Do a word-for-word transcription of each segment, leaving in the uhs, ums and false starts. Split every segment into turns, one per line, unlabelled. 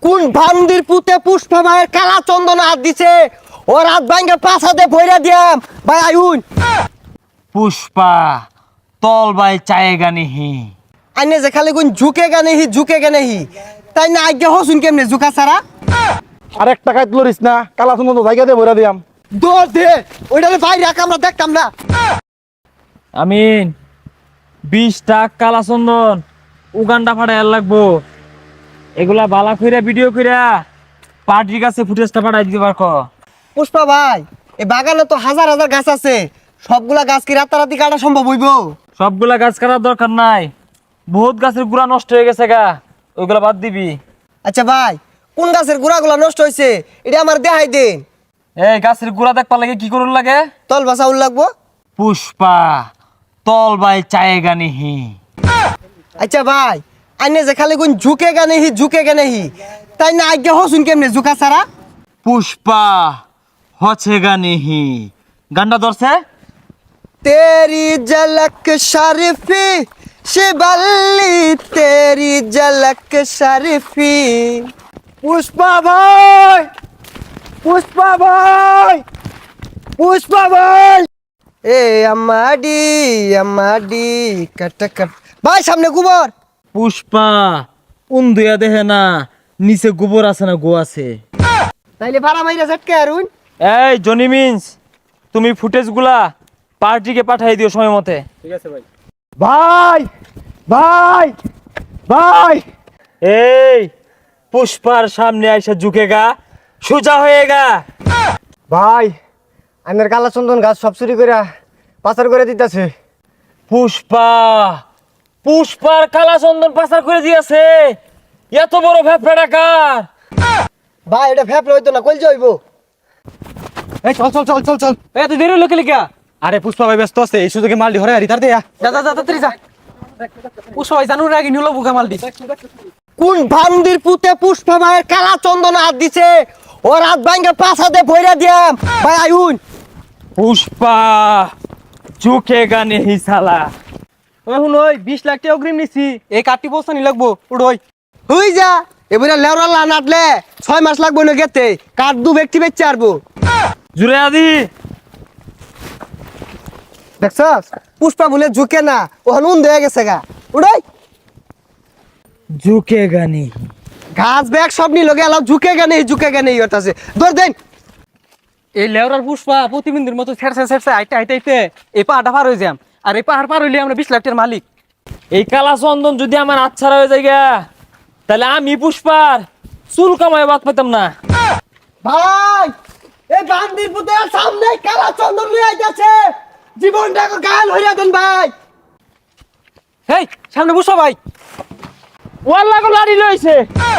কোন ভান্দির পুতে পুষ্পা ভাইয়ের কালা চন্দন হাত দিছে ও রাত ভাঙ্গে পাছাতে ভইরা দিয়াম ভাই আইউন
পুষ্পা তল বাই চায়েগা নিহি
আইনে যে খালি কোন ঝুকে গানে হি ঝুকে গানে হি তাই না আজ্ঞা হসুন কেমনে ঝুকা সারা
আরেক টাকায় তুলিস না কালা সুন্দর জায়গা দিয়ে ভরে দিয়াম
দৌড় দে ওইটা বাইরে রাখ আমরা দেখতাম না
আমিন বিশ টাক কালা চন্দন উগান্ডা ফাটাই লাগবো এগুলা বালা কইরা ভিডিও কইরা পার্টির কাছে ফুটেজটা পাঠাই দিতে পারকো
পুষ্পা ভাই এই বাগানে তো হাজার হাজার গাছ আছে সবগুলা গাছ কি রাতারাতি কাটা সম্ভব হইব
সবগুলা গাছ কাটার দরকার নাই বহুত গাছের গুড়া নষ্ট হয়ে গেছে গা ওইগুলা বাদ দিবি
আচ্ছা ভাই কোন গাছের গুড়াগুলা নষ্ট হয়েছে এটা আমার দেখাই দিন
এই গাছের গুড়া দেখবার লাগে কি করুন লাগে
তল বাসা উল লাগবো
পুষ্পা তল বাই চায়েগা নিহি
আচ্ছা ভাই আইনে যে খালি কোন ঝুকে গানে হি ঝুকে গানে হি তাই না আজ্ঞা হসুন কেমনে ঝুকা সারা
পুষ্পা হছেগা নিহি গান্ডা ধরছে
तेरी झलक शरीफी शिबल्ली तेरी झलक शरीफी पुष्पा भाई पुष्पा भाई पुष्पा भाई ए अम्माडी अम्माडी कट कट भाई सामने गोबर
পুষ্পা উন্দুয়া দেহে না নিচে গোবর আছে না গো আছে
তাইলে ভাড়া মাইরা ঝটকে আরুন
এই জনি মিন্স তুমি ফুটেজ গুলা পার্টিকে পাঠাই দিও সময় মতে
ভাই ভাই ভাই
এই পুষ্পার সামনে আইসা ঝুঁকেগা সোজা হয়েগা
ভাই আমার কালা চন্দন গাছ সব চুরি করে পাচার করে দিতেছে
পুষ্পা পুষ্পার কালা চন্দন পাচার করে দিয়েছে এত বড় ভ্যাপড়া ডাকার
ভাই এটা ফেপলে হইতো না কইল যাইব
এই চল চল চল চল চল
এত দেরি লোকে লিখা
আরে পুষ্পা ভাই ব্যস্ত আছে এই সুযোগে মাল দি হরে আরি তার দেয়া
যা যা যা তাড়াতাড়ি যা পুষ্পা ভাই জানুর আগে নিলো বুকা মাল দিস
কোন ভান্দির পুতে পুষ্পা ভাইয়ের কালা চন্দন হাত দিছে ও রাত ভাঙ্গে পাছাতে ভইরা দিয়াম ভাই আইউন
পুষ্পা ঝুঁকেগা নেহি সালা
এখন ওই বিশ লাখ টাকা অগ্রিম নিছি এই কাটি বস্তা নি লাগবো উড়োই
হই যা এবারে লেওরা লা নাটলে ছয় মাস লাগবো না গেতে কাঠ দু ব্যক্তি বেচে আরবো
জুড়ে আদি
দেখছস পুষ্পা বলে ঝুঁকে না ও হনুন দেয়া গেছে গা উড়াই
ঝুঁকেগা নেহি
ঘাস ব্যাগ সব নি লগে এলাও ঝুঁকে গেনে ঝুঁকে গেনে ইয়তাছে দৌড় দেন
এই লেওরার পুষ্পা প্রতিবিন্দুর মতো ছেড়ছে ছেড়ছে আইতে আইতে আইতে এই পাহাড়টা পার হয়ে যাম আর এই পাহাড় পার হইলে আমরা বিশ লাখ টাকার মালিক
এই কালা চন্দন যদি আমার আচ্ছারা হয়ে যায় গা, তাহলে আমি পুষ্পার চুল কামায় বাদ পেতাম না।
ভাই এই বান্দির পুতে সামনে কালা চন্দন লই আইতাছে জীবনটাকে গাল হইরা দেন ভাই
হেই সামনে পুষ্পা ভাই
ওয়াল্লা গো লাড়ি লইছে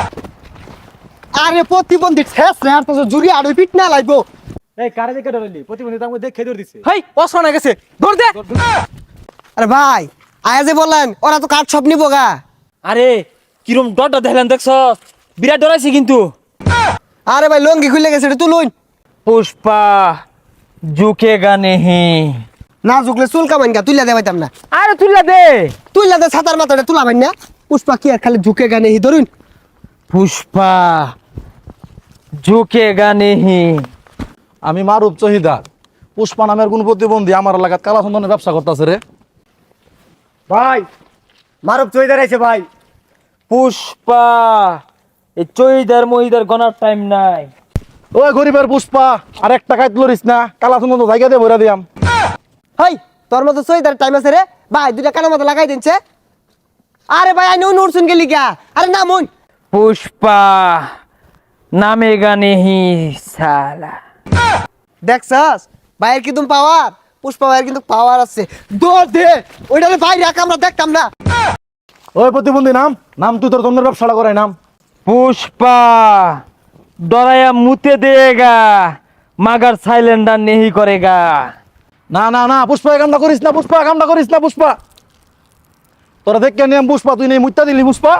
আরে প্রতিবন্ধী ঠেস রে আর তো জুরি আড়ই পিট না লাইবো
এই কারে দেখে ডরাইলি প্রতিবন্ধী তার মধ্যে দেখে ধরে দিছে
হেই অস্ত্র না গেছে ধর দে।
আরে ভাই আয়া যে বললেন ওরা তো কাঠ সব নিবো গা
আরে কিরম ডরটা দেখলেন দেখছ, বিরাট ডরাইছে কিন্তু।
আরে ভাই লঙ্গি খুলে গেছে এটা তুলুন
পুষ্পা ঝুঁকেগা নেহি।
না ঝুকলে চুল কামাইন গা তুইলা দে পাইতাম না
আরে তুইলা দে
তুইলা দে ছাতার মাথাটা তুলা ভাই না পুষ্পা কি আর খালি ঝুঁকে গানে হি ধরুন
পুষ্পা ঝুঁকেগা নেহি।
আমি মারুপ চহিদার পুষ্পা নামের কোন প্রতিবন্ধী আমার এলাকাত কালা চন্দনের ব্যবসা করতেছে রে।
ভাই মারুপ চইদার আইছে ভাই
পুষ্পা এই চইদার মহিদার গনার টাইম নাই।
ওই গরিবের পুষ্পা আর এক টাকায় তুলিস না কালা চন্দন জায়গা দিয়ে ভরে দিয়াম।
হাই তোর মতো চইদার টাইম আছে রে ভাই দুইটা কানের মতো লাগাই দিনছে। আরে ভাই আইন উড়ছুন গেলি গা আরে না মন
পুষ্পা নামেগা নেহি সালা।
দেখছস ভাইয়ের কিন্তু পাওয়ার পুষ্পা ভাইয়ের কিন্তু পাওয়ার আছে দৌড় দে ওইটারে ভাই রাখ আমরা দেখতাম না
ওই প্রতিবন্ধী নাম নাম তুই তোর চন্দনের ব্যবসাটা করাই নাম।
পুষ্পা ডরায়া মুতে দেগা মাগার সাইলেন্ডার নেহি করেগা।
না না না পুষ্পা এই কামটা করিস না, পুষ্পা কামটা করিস না পুষ্পা। তোরা দেখে নিয়াম পুষ্পা তুই নেই মুত্তা দিলি পুষ্পা।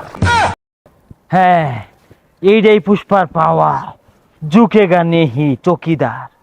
হ্যাঁ এইটাই পুষ্পার পাওয়া ঝুঁকেগা নেহি চকিদার।